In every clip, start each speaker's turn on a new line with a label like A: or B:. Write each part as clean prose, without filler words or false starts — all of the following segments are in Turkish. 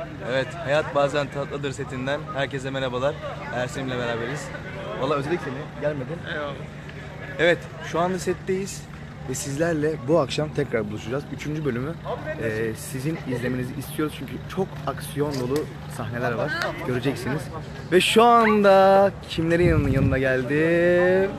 A: Evet, Hayat Bazen Tatlıdır setinden herkese merhabalar. Ersin'le beraberiz. Vallahi özledik seni, gelmedin.
B: Eyvallah.
A: Evet, şu anda setteyiz ve sizlerle bu akşam tekrar buluşacağız. 3. bölümü sizin izlemenizi istiyoruz çünkü çok aksiyon dolu sahneler var. Göreceksiniz. Ve şu anda kimlerin yanına geldim?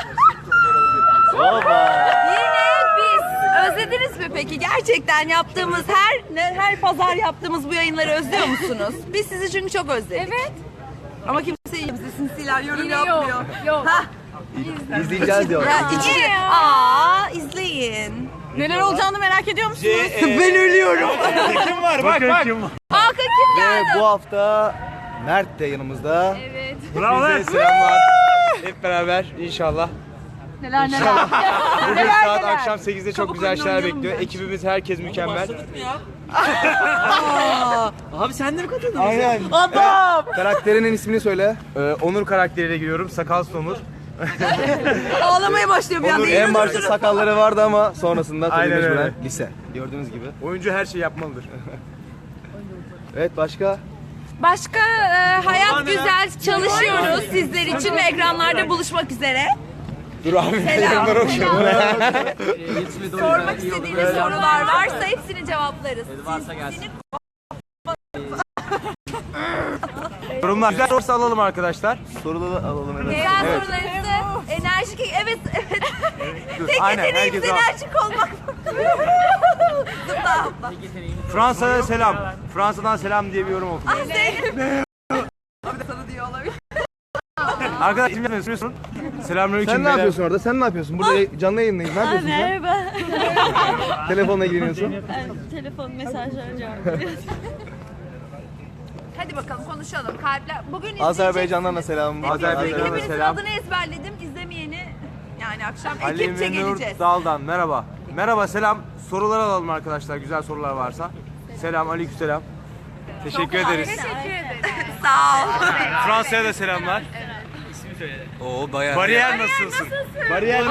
A: Baba!
C: Özlediniz mi peki? Gerçekten yaptığımız her pazar yaptığımız bu yayınları özlüyor musunuz? Biz sizi çünkü çok özledik. Evet. Ama kimse bize sinsiler yorum yapmıyor.
D: Yok.
C: Hah.
A: İzleyeceğiz diyor.
C: İzleyin. Neler olacağını merak ediyor musunuz?
A: Ben ölüyorum.
B: Kim var? Bak.
C: Hakan kim
A: Ve
C: geldi?
A: bu hafta Mert de yanımızda.
D: Evet.
B: Bravo.
A: Bize selamlar. Hep beraber inşallah.
D: Neler.
A: Bugün saat akşam 8'de çok güzel şeyler bekliyor. Ekibimiz herkes mükemmel.
B: Abi sen de mi katıldın?
A: Aynen.
C: Adam!
A: Evet, karakterinin ismini söyle.
B: Onur karakteriyle giriyorum. Sakalsız Onur.
C: Ağlamaya başlıyor bir anda.
A: Onur en başta sakalları vardı ama sonrasında tabii
B: Aynen
A: mecburen
B: öyle.
A: lise. Gördüğünüz gibi.
B: Oyuncu her şeyi yapmalıdır.
A: Evet, başka?
C: Başka hayat güzel çalışıyoruz sizler için ve ekranlarda buluşmak üzere.
A: Dur abi.
C: Selam.
A: Okuyorum.
C: Sormak istediğiniz sorular varsa hepsini cevaplarız.
B: Yorumlar. Güzel sorusu alalım arkadaşlar.
A: Soruları alalım. Evet.
C: Güzel
A: Evet.
C: sorularınızı enerjik, evet. Tek
B: Aynen,
C: yeteneğimiz
B: herkes
C: enerjik olmak. Zıpla hopla.
B: Fransa'ya selam. Fransa'dan selam diye bir yorum okudum.
C: Ah Zeynep. Abi de sana diyor olabilir.
B: Arkadaşlar kim yapıyorsun? Selamünaleyküm.
A: Sen ne yapıyorsun orada? Sen ne yapıyorsun? Burada canlı yayındayız. Ne yapıyorsun sen?
D: Merhaba.
A: Telefonla ilgileniyorsun.
D: Telefon mesajlarına cevap veriyorum.
C: Hadi bakalım konuşalım. Kalpler. Bugün
A: Azerbaycan'dan da selam.
B: Azerbaycan'dan da
C: Hepinizin
B: selam.
C: adını ezberledim. İzlemeyeni yani akşam
B: Ali
C: ekipçe
B: Menur
C: geleceğiz.
B: Dal'dan merhaba. Merhaba, selam. Sorular alalım arkadaşlar. Güzel sorular varsa. Selam, aleykümselam. Teşekkür ederiz.
C: Teşekkür ederim. Sağ ol.
B: Fransa'ya da selamlar.
A: Oo, bayağı.
B: Bariyer nasılsın? Bariyer.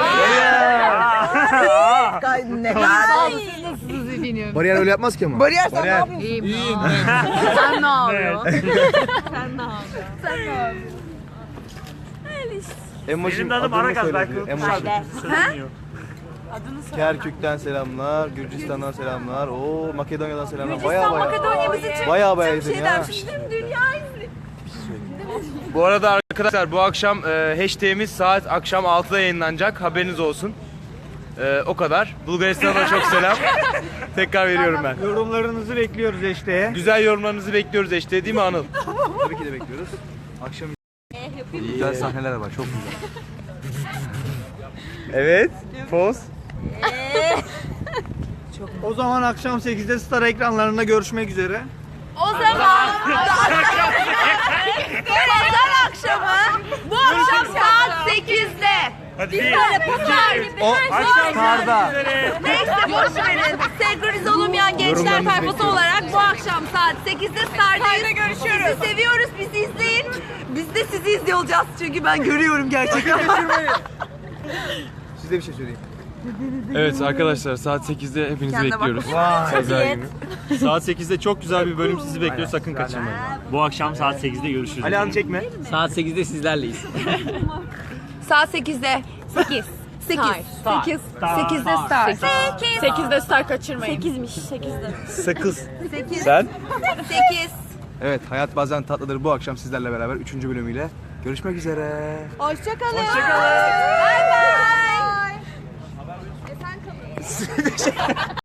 C: Ne kadar.
A: Bariyer öyle yapmaz ki ama.
C: Bariyer sen ne yapıyorsun?
D: Sen ne yapıyorsun?
A: Emojim adını söyledi. Emoji. Kerkük'ten selamlar, Gürcistan'dan selamlar, Makedonya'dan selamlar. Baya
C: Makedonya bizi çok
A: Baya
C: bir şey
A: ya.
C: dermiş. Tüm dünya izliyor.
B: Bu arada arkadaşlar bu akşam hashtag'imiz saat akşam 6'da yayınlanacak. Haberiniz olsun. O kadar. Bulgaristan'a çok selam. Tekrar veriyorum ben.
E: Yorumlarınızı bekliyoruz hashtag'e.
B: Güzel yorumlarınızı bekliyoruz hashtag, değil mi Anıl?
A: Tabii ki de bekliyoruz. Akşam güzel sahneler var, çok güzel.
B: Evet. Poz.
E: O zaman akşam 8'de Star ekranlarında görüşmek üzere.
C: O zaman pazar akşamı bu akşam saat 8'de biz böyle pazar gibi
A: Star'da.
C: neyse boş verin. Senkronize olamayan gençler tayfası olarak bu akşam saat 8'de Star'dayız. Görüşüyoruz. Sizi seviyoruz. Bizi izleyin. Biz de sizi izliyor olacağız çünkü ben görüyorum gerçekten.
A: Size bir şey söyleyeyim.
F: Evet arkadaşlar, saat 8'de hepinizi
C: Kendine bak.
F: bekliyoruz. Pazar günü. Saat 8'de çok güzel bir bölüm sizi bekliyor, sakın kaçırmayın.
G: Bu akşam saat 8'de görüşürüz.
B: Alihan çekme.
G: Saat 8'de sizlerleyiz.
C: Saat 8'de. 8. 8. 8. 8'de Star.
D: 8'de Star kaçırmayın. 8'miş 8'de.
B: Sakız.
C: 8.
B: Sen?
C: 8.
A: Evet, Hayat Bazen Tatlıdır bu akşam sizlerle beraber 3. bölümüyle görüşmek üzere.
C: Hoşçakalın. Hoşçakalın. Bay bay.